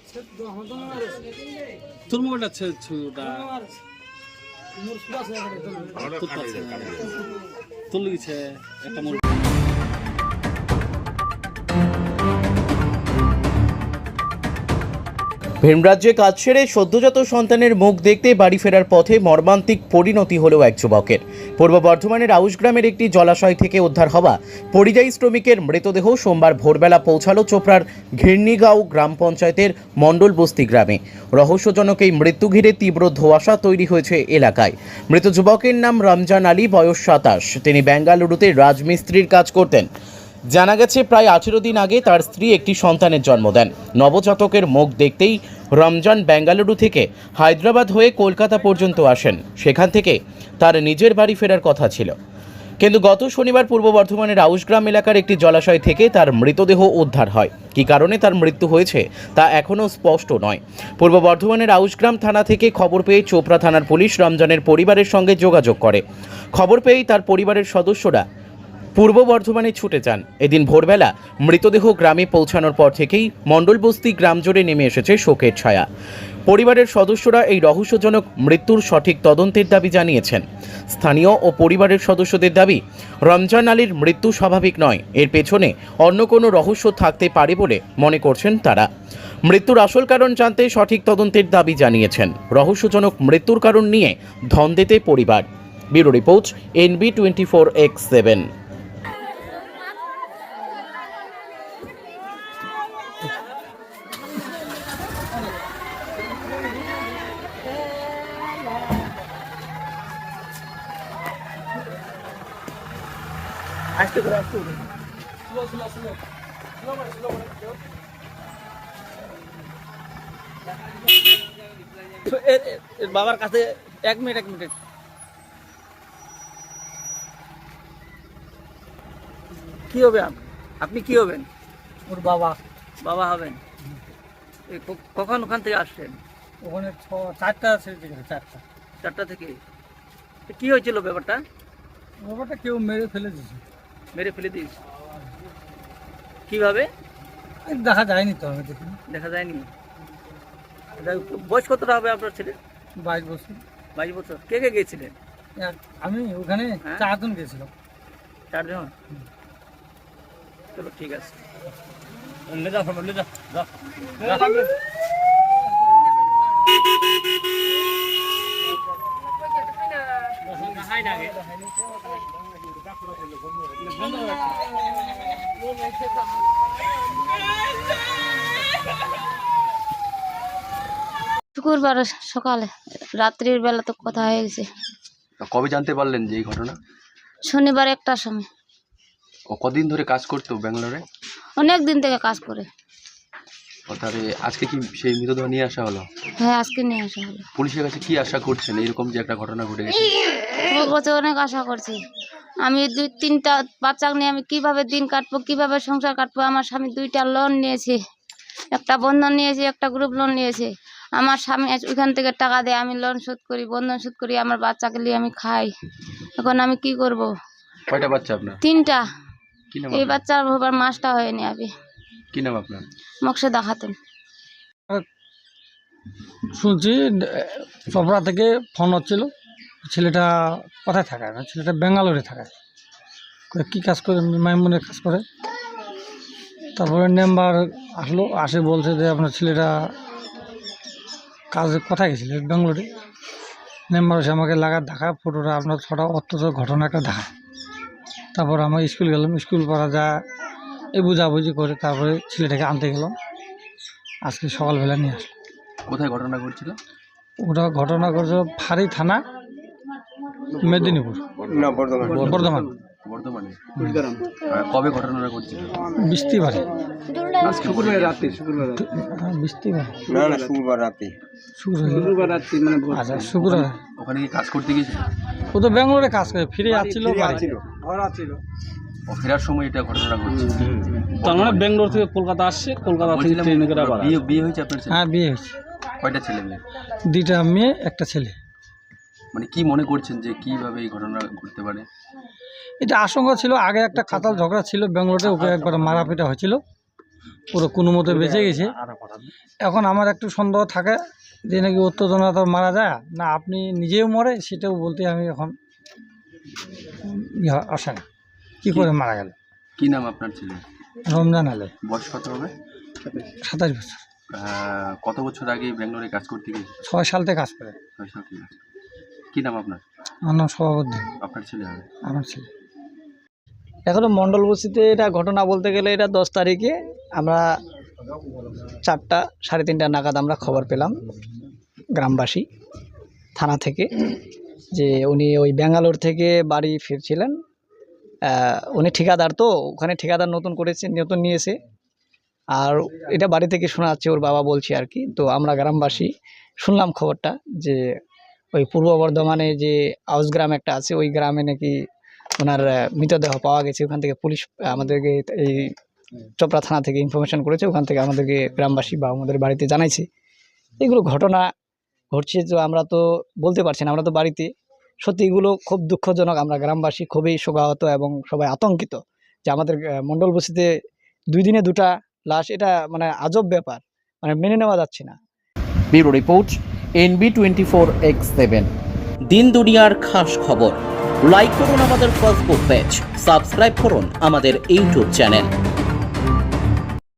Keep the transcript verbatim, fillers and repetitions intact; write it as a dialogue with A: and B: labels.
A: তোর মোবাইলটা ছুটা তোর লিখেছে একটা মোবাইল।
B: ভিনরাজ্যে কাজ সেরে সদ্যজাত সন্তানের মুখ দেখতে বাড়ি ফেরার পথে মর্মান্তিক পরিণতি হলো এক যুবকের। পূর্ব বর্ধমানের আউশগ্রামের একটি জলাশয় থেকে উদ্ধার হওয়া পরিযায়ী শ্রমিকের মৃতদেহ সোমবার ভোরবেলা পৌঁছালো চোপড়ার ঘিরনিগাঁও গ্রাম পঞ্চায়েতের মণ্ডল বস্তি গ্রামে। রহস্যজনক এই মৃত্যু ঘিরে তীব্র ধোঁয়াশা তৈরি হয়েছে এলাকায়। মৃত যুবকের নাম রমজান আলী, বয়স সাতাশ। তিনি বেঙ্গালুরুতে রাজমিস্ত্রির কাজ করতেন। জানা গেছে প্রায় আঠেরো দিন আগে তার স্ত্রী একটি সন্তানের জন্ম দেন। নবজাতকের মুখ দেখতেই রমজান বেঙ্গালুরু থেকে হায়দ্রাবাদ হয়ে কলকাতা পর্যন্ত আসেন। সেখান থেকে তার নিজের বাড়ি ফেরার কথা ছিল, কিন্তু গত শনিবার পূর্ব বর্ধমানের আউশগ্রাম এলাকার একটি জলাশয় থেকে তার মৃতদেহ উদ্ধার হয়। কী কারণে তার মৃত্যু হয়েছে তা এখনও স্পষ্ট নয়। পূর্ব বর্ধমানের আউশগ্রাম থানা থেকে খবর পেয়ে চোপড়া থানার পুলিশ রমজানের পরিবারের সঙ্গে যোগাযোগ করে। খবর পেয়েই তার পরিবারের সদস্যরা পূর্ব বর্ধমানে ছুটে যান। এদিন ভোরবেলা মৃতদেহ গ্রামে পৌঁছানোর পর থেকেই মণ্ডলবস্তি গ্রাম জুড়ে নেমে এসেছে শোকের ছায়া। পরিবারের সদস্যরা এই রহস্যজনক মৃত্যুর সঠিক তদন্তের দাবি জানিয়েছেন। স্থানীয় ও পরিবারের সদস্যদের দাবি, রমজান আলীর মৃত্যু স্বাভাবিক নয়, এর পেছনে অন্য কোনো রহস্য থাকতে পারে বলে মনে করছেন তারা। মৃত্যুর আসল কারণ জানতে সঠিক তদন্তের দাবি জানিয়েছেন। রহস্যজনক মৃত্যুর কারণ নিয়ে ধন্দেতে পরিবার। Bureau report, NB twenty four X seven.
C: আসতে করে আসতে করে স্লো স্লো স্লো স্লো করে স্লো করে এর বাবার কাছে এক মিনিট এক মিনিট কি হবে? আপনি কি হবেন?
D: ওর বাবা
C: বাবা হবেন। কখন ওখান থেকে আসছেন?
D: ওখানে চারটা ছেড়ে গেছে, চারটা
C: চারটা থেকে। কি হয়েছিল ব্যাপারটা?
D: ব্যাপারটা কেউ মেরে ফেলে দিয়েছে।
C: মেরে ফেলে দিস কিভাবে?
D: দেখা যায়নি তো, আমি দেখিনি।
C: দেখা যায়নি। বয়স কতটা হবে আপনার ছেলে?
D: বাইশ বছর।
C: বাইশ বছর। কে কে গিয়েছিলেন?
D: আমি ওখানে
C: হ্যাঁ?
D: চারজন গেছিলাম।
C: চারজন? চলো ঠিক আছে।
E: শুক্রবার সকালে, রাত্রির বেলা তো কথা হয়ে গেছে।
F: কবে জানতে পারলেন যে এই ঘটনা?
E: শনিবার একটার সময়।
F: ও কদিন ধরে কাজ করতো ব্যাঙ্গালোরে?
E: অনেক দিন থেকে কাজ করে।
F: ও তাহলে আজকে কি সেই মৃতদেহ নিয়ে আসা হলো?
E: হ্যাঁ, আজকে নিয়ে আসা হলো।
F: পুলিশের কাছে কি আশা করছেন এরকম যে একটা ঘটনা ঘটে গেছে?
E: ওর কাছে অনেক আশা করছি। আমি দুই তিনটা বাচ্চা নিয়ে আমি কিভাবে দিন কাটবো, কিভাবে সংসার কাটবো। আমার স্বামী দুইটা লোন নিয়েছে, একটা বন্ধন নিয়েছে, একটা গ্রুপ লোন নিয়েছে। আমার স্বামী ওইখান থেকে টাকা দেয়, আমি লোন শোধ করি, বন্ধন শোধ করি, আমার বাচ্চাকে নিয়ে আমি খাই। এখন আমি কি করব?
F: কয়টা বাচ্চা আপনার?
E: তিনটা।
F: কি নাম?
E: এই বাচ্চার বাবার মাসটা হয়নি। আমি
F: কি নাম আপনার?
E: মকসেদা খাতুন।
D: শুনছি চপড়া থেকে ফোন হচ্ছিল, ছেলেটা কোথায় থাকায় না, ছেলেটা ব্যাঙ্গালোরে থাকায়। কী কাজ করে? মাইমুনের কাজ করে। তারপরে নাম্বার আসলো, আসে বলছে যে আপনার ছেলেটা কাজে কোথায় গেছিল, ব্যাঙ্গালোরে। নাম্বার এসে আমাকে লাগার দেখা, ফটোটা আপনার ছটা অত্যন্ত ঘটনা একটা দেখা। তারপর আমরা স্কুল গেলাম, স্কুল পড়া যা এই বুঝাবুঝি করে তারপরে ছেলেটাকে আনতে গেলাম। আজকে সকালবেলা নিয়ে আসলো।
F: কোথায় ঘটনা ঘটছিল?
D: ওটা ঘটনা করছে ফাঁড়ি থানা, মেদিনীপুর, বর্ধমান।
F: বর্ধমানে। কবে ঘটনাটা ঘটছিল?
D: বৃষ্টিবারে।
A: শুক্রবার রাতে। শুক্রবার
D: হ্যাঁ, বৃষ্টিবারে।
G: না না শুক্রবার রাতে।
A: শুক্রবার রাত্রি মানে
D: আচ্ছা, শুক্রবার।
F: ওখানে কি কাজ করতে গিয়েছিল?
D: ও তো ব্যাঙ্গালোরে কাজ করে, ফিরে আসছিল।
F: ও ফেরার সময় এটা ঘটনা ঘটছিল।
A: তার মানে ব্যাঙ্গালোর থেকে কলকাতা আসছে, কলকাতা থেকে ট্রেনে করে আবার।
F: বিয়ে বিয়ে হয়েছে আপনার ছেলে?
D: হ্যাঁ, বিয়ে হয়েছে।
F: কয়টা ছেলে মেয়ে?
D: দুইটা মেয়ে, একটা ছেলে।
F: মানে কি মনে করছেন যে কিভাবে এই ঘটনা ঘটতে পারে?
D: এটা আশঙ্কা ছিল, আগে একটা কাতাল ঝগড়া ছিল ব্যাঙ্গালোরে, ওকে একবার মারাপিটা হয়েছিল। পুরো কোনো মতে বেঁচে গেছে। এখন আমার একটু সন্দেহ থাকে যে নাকি উত্তেজনা তো মারা যায় না, আপনি নিজেও মরে সেটাও বলতে আমি এখন ইয়ে আসে না, কী করে মারা গেল।
F: কি নাম আপনার ছেলে?
D: রমজান আলী,
F: বয়স কত হবে?
D: সাতাশ বছর,
F: আহ, কত বছর আগে ব্যাঙ্গালোরে কাজ করতে গিয়ে?
D: ছয় সাল থেকে কাজ করে।
F: ছয় সাল থেকে কাজ করে। কি নাম আপনার?
D: আমার নাম সভাপতি।
F: আপনার ছেলে হবে?
D: আমার ছেলে।
G: এখনো মণ্ডল বস্তিতে এটা ঘটনা বলতে গেলে এটা দশ তারিখে আমরা চারটা সাড়ে তিনটা নাগাদ আমরা খবর পেলাম গ্রামবাসী থানা থেকে যে উনি ওই ব্যাঙ্গালোর থেকে বাড়ি ফিরছিলেন। আহ, উনি ঠিকাদার, তো ওখানে ঠিকাদার নতুন করেছে, নতুন নিয়েছে। আর এটা বাড়ি থেকে শোনা যাচ্ছে, ওর বাবা বলছে আর কি। তো আমরা গ্রামবাসী শুনলাম খবরটা যে ওই পূর্ব বর্ধমানে যে আউস গ্রাম একটা আছে, ওই গ্রামে নাকি ওনার আহ, মৃতদেহ পাওয়া গেছে। ওখান থেকে পুলিশ আমাদেরকে এই চোপড়া থানা থেকে ইনফরমেশন করেছে, ওখান থেকে আমাদেরকে গ্রামবাসী বা আমাদের বাড়িতে জানাইছে। এগুলো ঘটনা ঘটছে, তো আমরা তো বলতে পারছি না, আমরা তো বাড়িতে। সত্যি এগুলো খুব দুঃখজনক। আমরা গ্রামবাসী খুবই শোকাহত এবং সবাই আতঙ্কিত যে আমাদের আহ, মণ্ডল বস্তিতে দুই দিনে দুটা লাশ, এটা মানে আজব ব্যাপার, মানে মেনে নেওয়া যাচ্ছে না।
B: Bureau report, NB twenty four X seven. দিন দুনিয়ার খাস খবর। লাইক করুন আমাদের ফেসবুক পেজ, সাবস্ক্রাইব করুন আমাদের ইউটিউব চ্যানেল।